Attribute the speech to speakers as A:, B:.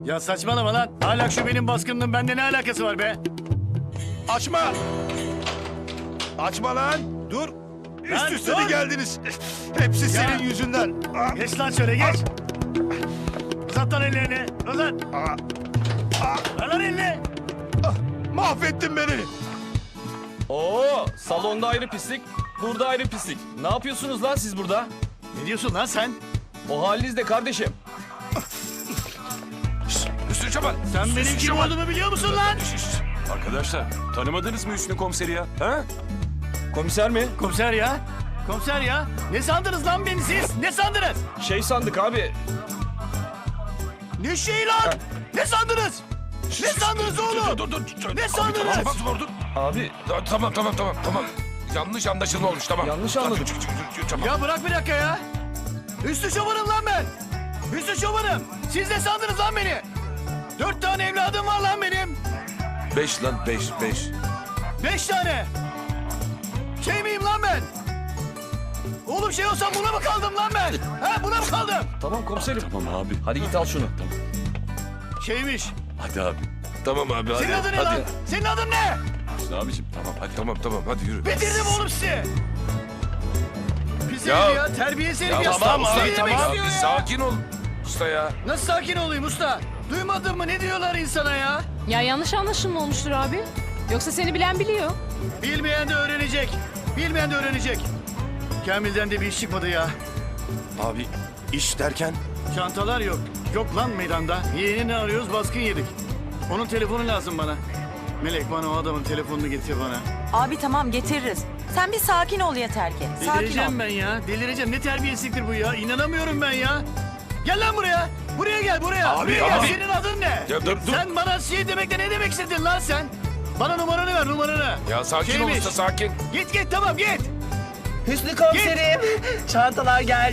A: Ya saçmalama lan. Hala şu benim baskınlığın bende ne alakası var be?
B: Açma! Açma lan! Dur!
A: Lan
B: Üst üste
A: dur!
B: de geldiniz. Hepsi senin yüzünden. Ah,
A: Geç lan şöyle geç. Uzat lan ellerini. Uzat. Ver lan elini.
B: mahvettin beni.
C: Oo, salonda ayrı pislik, burada ayrı pislik. Ne yapıyorsunuz lan siz burada?
A: Ne diyorsun lan sen?
C: O halinizde kardeşim.
D: Hüsnü Çoban.
A: Sen benim kim olduğumu biliyor musun lan?
D: Arkadaşlar tanımadınız mı Hüsnü komiseri ya? Ha?
C: Komiser mi?
A: Komiser ya. Komiser ya. Ne sandınız lan beni siz? Ne sandınız?
C: Şey sandık abi.
A: Ne şey lan? Ne sandınız? Ne sandınız oğlum?
D: Dur.
A: Ne
D: Abi,
A: sandınız?
D: Tamam dur.
C: Abi
D: Tamam. Yanlış anlaşılma olmuş tamam.
C: Yanlış anladım.
D: Tamam.
A: Ya bırak bir dakika ya. Hüsnü Çoban'ım lan ben. Hüsnü Çoban'ım. Siz ne sandınız lan beni? 4 tane evladım var lan benim.
D: 5 lan 5.
A: 5 tane. Şey miyim lan ben? Oğlum şey olsam buna mı kaldım lan ben? Ha buna mı kaldım?
C: Tamam komiserim.
D: Tamam abi.
C: Hadi git al şunu.
A: Şeymiş.
D: Hadi abi. Tamam abi hadi.
A: Senin adın ne lan? Senin adın ne?
D: Hüsnü abicim tamam hadi. Tamam hadi yürü.
A: Bitirdim oğlum sizi. Pis
D: Ya-
A: herif ya. Terbiyesiz herif ya.
D: Tamam
A: Usta
D: abi
A: ne
D: tamam.
A: demek
D: Ya,
A: istiyor
D: bir
A: ya?
D: sakin ol. Usta ya.
A: Nasıl sakin olayım usta? Duymadın mı? Ne diyorlar insana ya?
E: Ya yanlış anlaşılma olmuştur abi. Yoksa seni bilen biliyor.
A: Bilmeyen de öğrenecek. Bilmeyen de öğrenecek. Kamil'den de bir iş çıkmadı ya.
D: Abi iş derken?
A: Çantalar yok. Yok lan meydanda. Yeğenini arıyoruz, baskın yedik. Onun telefonu lazım bana. Melek bana o adamın telefonunu getir bana.
F: Abi tamam getiririz. Sen bir sakin ol yeter ki. Sakin ol.
A: Delireceğim ben ya. Delireceğim. Ne terbiyesizliktir bu ya. İnanamıyorum ben ya. Gel lan buraya. Buraya gel buraya.
D: Abi,
A: buraya gel.
D: abi.
A: Senin adın ne?
D: Ya dur.
A: Sen bana şey demekle ne demek istedin lan sen? Bana numaranı ver numaranı.
D: Ya sakin ol
A: Şeymiş.
D: usta sakin.
A: Git tamam git.
G: Hüsnü komiserim, çantalar geldi.